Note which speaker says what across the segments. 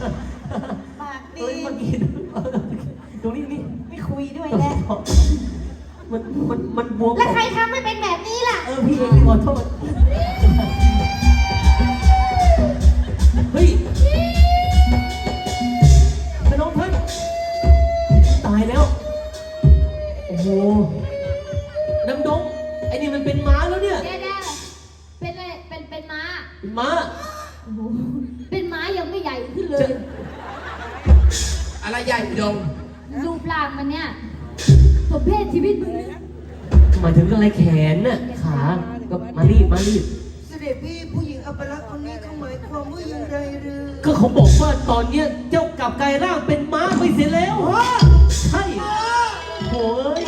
Speaker 1: ปากดี
Speaker 2: เฮ้ยมากินตรงนี้นี่
Speaker 1: ไม่คุยด้วยแล้ว
Speaker 2: มันบวม
Speaker 1: แล้วใครทำให้เป็นแบบนี้ล่ะ
Speaker 2: พี่เองขอโทษเฮ้ยแต่น้องท่านตายแล้วโอ้โหน้ำดงไอ้นี่มันเป็นม้าแล้วเนี่ย
Speaker 3: เดี๋ยวเป็นอะไรเป็นม้า
Speaker 2: เป็นม้า
Speaker 3: โอ้โหเป็นม้ายังไม่ใหญ่ขึ้นเลย
Speaker 4: อะไรใหญ่พี่ดง
Speaker 3: รูปร่างมันเนี่ยสมเพศชีวิตมึงเลย
Speaker 2: หมายถึงอะไรแขนน่ะขาก็มารีบ
Speaker 5: เสด็จพี่ผู้หญิงอัปลักษณ์คนนี้เขาหมายความว่าอย่างไรหรือ
Speaker 2: ก็เขาบอกว่าตอนเนี้ยเจ้ากลับกลายร่างเป็นม้าไปเสียแล้วใช่โอ้ย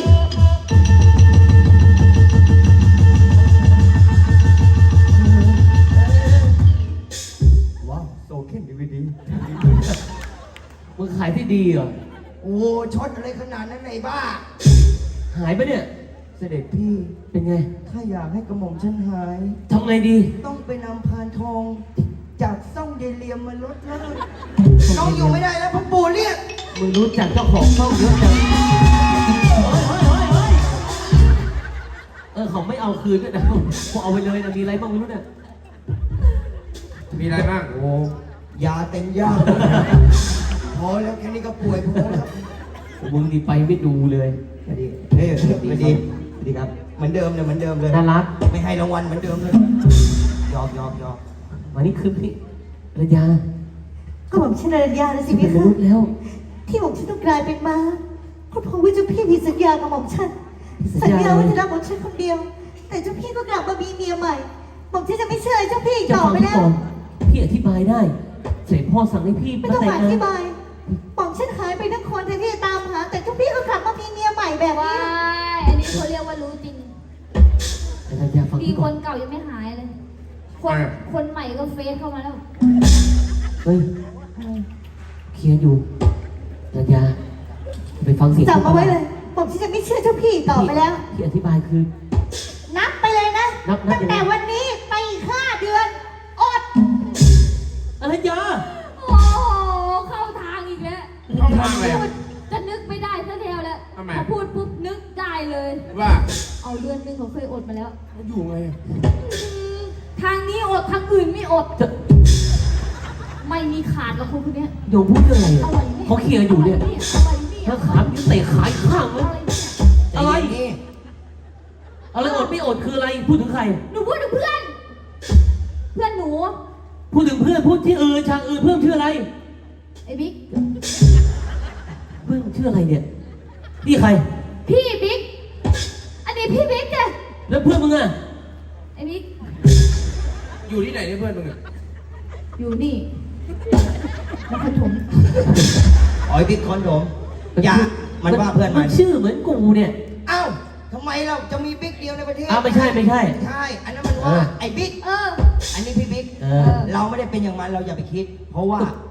Speaker 5: ว้าวโซเคนดีวีดี
Speaker 2: มึงขายที่ดีเหรอ
Speaker 5: โอ้ช็อตอะไรขนาดนั้นไหนบ้า
Speaker 2: หายไปเนี่ย
Speaker 5: เสด็จพี่
Speaker 2: เป็นไง
Speaker 5: ถ้าอยากให้กระหม่อมฉันหาย
Speaker 2: ทำไงดี
Speaker 5: ต้องไปนำพานทอง จากซ่องเยเลียมมาลดแล้วน้องอยู่ไม่ได้แล้วพ่อปู่เรียก
Speaker 2: มึงรู้จักเจ้าของช่องเยอะจังเขาไม่เอาคืนด้วยนะพวกเอาไปเลยนะมีอะไรบ้างไม่รู้เนี่ย
Speaker 4: มีอะไรบ้าง
Speaker 5: โอ้ยาเต็มย่างพอแล้วแค่นี้ก็ป่วยพอแล้ว
Speaker 2: มึงนี่ไปไม่ดูเลย
Speaker 5: สวัสดีเฮ้ยสวัสดีสวัสดีครับเหมือนเดิมเลยเหมือนเดิมเลย
Speaker 2: น่ารัก
Speaker 5: ไม่ให้รางวัลเหมือนเดิมเลยยอม
Speaker 2: วันนี้คือพี่ระยา
Speaker 1: ก็ผมชื่อนารัญญาแล้วสิ
Speaker 2: เป็
Speaker 1: พี่
Speaker 2: นม
Speaker 1: คะ
Speaker 2: นุษย์แล้ว
Speaker 1: ที่ผมฉันต้องกลายเป็นม้าก็เพราะว่าเจ้าพี่มีสัญญากับหม่อมฉันสัญญาว่าจะรักหม่อมฉันคนเดียว แต่เจ้าพี่ก็กลับมามีเมียใหม่หม่อมฉันจะไม่เชื่อเจ้าพี่อีก
Speaker 2: จะ
Speaker 1: ต่อ
Speaker 2: ฟัง
Speaker 1: ไป
Speaker 2: พี่
Speaker 1: แล้ว
Speaker 2: ก่อนพี่อธิบายได้เสด็จพ่อสั่งให้พี่
Speaker 1: ไม่
Speaker 2: มา
Speaker 1: ต้อง
Speaker 2: แต่
Speaker 1: มาง อธิ
Speaker 2: งาน
Speaker 1: บายหม่อมฉันหายไปทั้งคนแทนที่จะตามหา แต่เจ้าพี่ก็กลับมามีเมียใหม่แบบ
Speaker 3: ว้า
Speaker 1: นี้
Speaker 3: ยอันนี้เขาเรียกว่ารู้จริง
Speaker 2: ระยาฟัง
Speaker 3: ดี
Speaker 2: พี่
Speaker 3: ค
Speaker 2: ก่อน
Speaker 3: นเก่ายังไม่หายเลย คนใหม่ก็เฟซเข้ามาแล้ว
Speaker 2: เฮ้ยเคลียร์อยู่ระยาไปฟังเสียง
Speaker 1: จำเอาไว้เลยหม่อมฉันจะไม่เชื่อเจ้าพี่อีกต่อไปแล้ว
Speaker 2: ที่อธิบายคือ
Speaker 1: นับไปเลยนะ
Speaker 2: นับ
Speaker 1: ตั้งแต่วันนี้ไปอีก5 เดือน อด
Speaker 2: อะไรยา
Speaker 3: โอ้โหเข้าทางอีกแล้ว
Speaker 4: เข้าทางเลย
Speaker 3: พูดจะนึกไม่ได้ซะแล้วแหละ
Speaker 4: ทำไม
Speaker 3: พอพูดปุ๊บนึกได้เลย
Speaker 4: ว่า
Speaker 3: เอาเดือนหนึงเขาเคยอดมาแล้ว
Speaker 4: อยู่ไง
Speaker 3: ทางนี้อดทางอื่นไม่อด
Speaker 2: จะ
Speaker 3: ไม่มีขาดหรอกคนเนี้ย
Speaker 2: โยมพูดเรื่องอะไร
Speaker 3: อะไร
Speaker 2: อ่ะ
Speaker 3: เนี่ย
Speaker 2: เขาเคลียร์อยู่เนี่ย
Speaker 3: อะไรเนี่ย
Speaker 2: ถ้าขาพี่เตะขายข้างเลย
Speaker 3: อะไรเนี่ย
Speaker 2: อะไร
Speaker 5: นี่
Speaker 2: อะไรอดไม่อดคืออะไรพูดถึงใคร
Speaker 3: หนูพูดถึงเพื่อน เพื่อนหนู
Speaker 2: พูดถึงเพื่อนพูดที่อื่นฉากอื่นเพื่อนชื่ออะไร
Speaker 3: ไอ้บิ๊ก
Speaker 2: เพื่อนชื่ออะไรเนี่ยนี่ใคร
Speaker 3: พี่บิ๊ก อันนี้พี่บิ๊กจ้ะ
Speaker 2: แล้วเพื่อนมึงอ่ะ
Speaker 3: ไอ้บิ๊ก
Speaker 4: อยู่ที่ไหนเนี่ยเพื่อนมึงอะ
Speaker 3: อยู่นี่นครปฐม
Speaker 5: อ๋อยบิ๊กคอนโดมอย่ามันว่าเพื่อนมัน
Speaker 2: ชื่อเหมือนกูเนี่ย
Speaker 5: เอ้าทำไมเราจะมีบิ๊กเดียวในประเทศ
Speaker 2: อ้าวไม่ใช่
Speaker 5: ใช่ อันนั้นมันว่าไอ้บิ๊ก
Speaker 3: เออ
Speaker 5: อันนี้พี่บิ๊ก
Speaker 2: เออ
Speaker 5: เราไม่ได้เป็นอย่างมันเราอย่าไปคิด เพราะว่า